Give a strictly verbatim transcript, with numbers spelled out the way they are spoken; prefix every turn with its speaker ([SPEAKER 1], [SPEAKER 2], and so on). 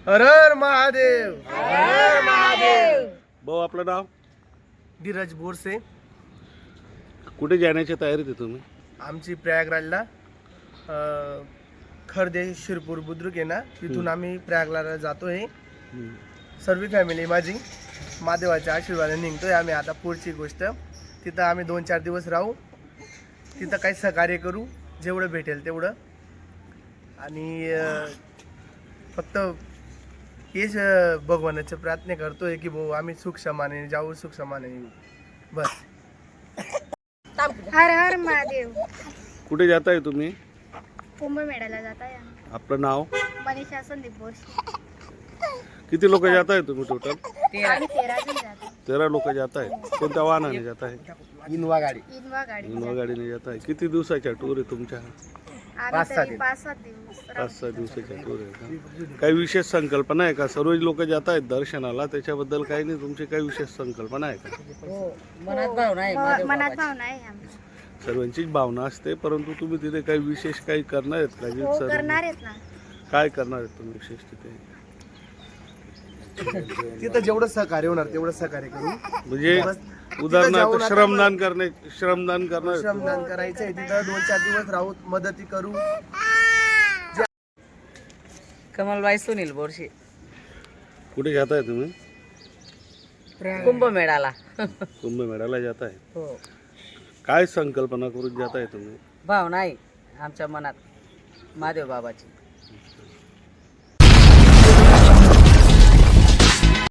[SPEAKER 1] हर हर महादेव, हर हर महादेव।
[SPEAKER 2] भाऊ आपलं नाव?
[SPEAKER 1] धीरज बोरसे।
[SPEAKER 2] कुठे जाण्याची तयारीत आहे तुम्ही?
[SPEAKER 1] आमची प्रयागराजला अ, खर्दे शिरपूर बुद्रुक आहे ना, तिथून आम्ही प्रयागराजला जातोय। सर्व फॅमिली माझी महादेवाच्या आशीर्वादाने निघतोय आम्ही आता। पुढची गोष्ट तिथं आम्ही दोन चार दिवस राहू, तिथं काही सहकार्य करू जेवढं भेटेल तेवढं। आणि अ, फक्त हेच अ, भगवानाचे प्रार्थना करतोय की भाऊ आम्ही सुख समाने जाऊ, सुख समाने येऊ, बस।
[SPEAKER 3] हर हर महादेव।
[SPEAKER 2] कुठे जाताय तुम्ही?
[SPEAKER 3] कुंभमेळ्याला जात आहे आम्ही।
[SPEAKER 2] आपलं नाव?
[SPEAKER 3] मनीषा संदीप बोरसे।
[SPEAKER 2] किती लोक जात आहे तुम्ही टोटल?
[SPEAKER 3] आम्ही तेरा जण जातो।
[SPEAKER 2] तेरा लोक जात आहे। कोणत्या वाहनाने जात आहे?
[SPEAKER 1] इनवा गाडी।
[SPEAKER 3] इनवा गाडी
[SPEAKER 2] इनोवा गाडीने जात आहे। किती दिवसाचा टूर आहे तुमच्या?
[SPEAKER 3] आम्ही तरी पाच सात दिवस
[SPEAKER 2] पाच सहा दिवसाचा टूर आहे का? काही विशेष संकल्पना आहे का? सर्व लोक जात आहेत दर्शनाला, त्याच्याबद्दल काही नाही, तुमची काही विशेष संकल्पना आहे का?
[SPEAKER 4] मनात भावना आहे
[SPEAKER 3] हो, मनात भावना आहे आमची।
[SPEAKER 2] सर्वांचीच भावना असते, परंतु तुम्ही तिथे काही विशेष काही करणार आहेत का? जे
[SPEAKER 3] हो
[SPEAKER 2] सर्व-
[SPEAKER 3] करणार आहेत ना।
[SPEAKER 2] काय करणार आहेत तुम्ही विशेष तिथे?
[SPEAKER 1] तिथं जेवढं सहकार्य होणार तेवढं सहकार्य करू।
[SPEAKER 2] म्हणजे
[SPEAKER 1] बस.
[SPEAKER 2] उदाहरणार्थ
[SPEAKER 1] जाऊन आता
[SPEAKER 2] श्रमदान करणे, श्रमदान करणार आहेत तुम्ही?
[SPEAKER 1] श्रमदान करायचंय तिथं, दोन चार दिवस राहू, मदती करू।
[SPEAKER 4] कमलबाई सुनील बोरशे।
[SPEAKER 2] कुठे जाताय तुम्ही?
[SPEAKER 4] कुंभमेळ्याला।
[SPEAKER 2] कुंभमेळ्याला जाताय।
[SPEAKER 4] हो
[SPEAKER 2] काय संकल्पना करून जाताय तुम्ही?
[SPEAKER 4] भावना आहे आमच्या मनात महादेव बाबाची।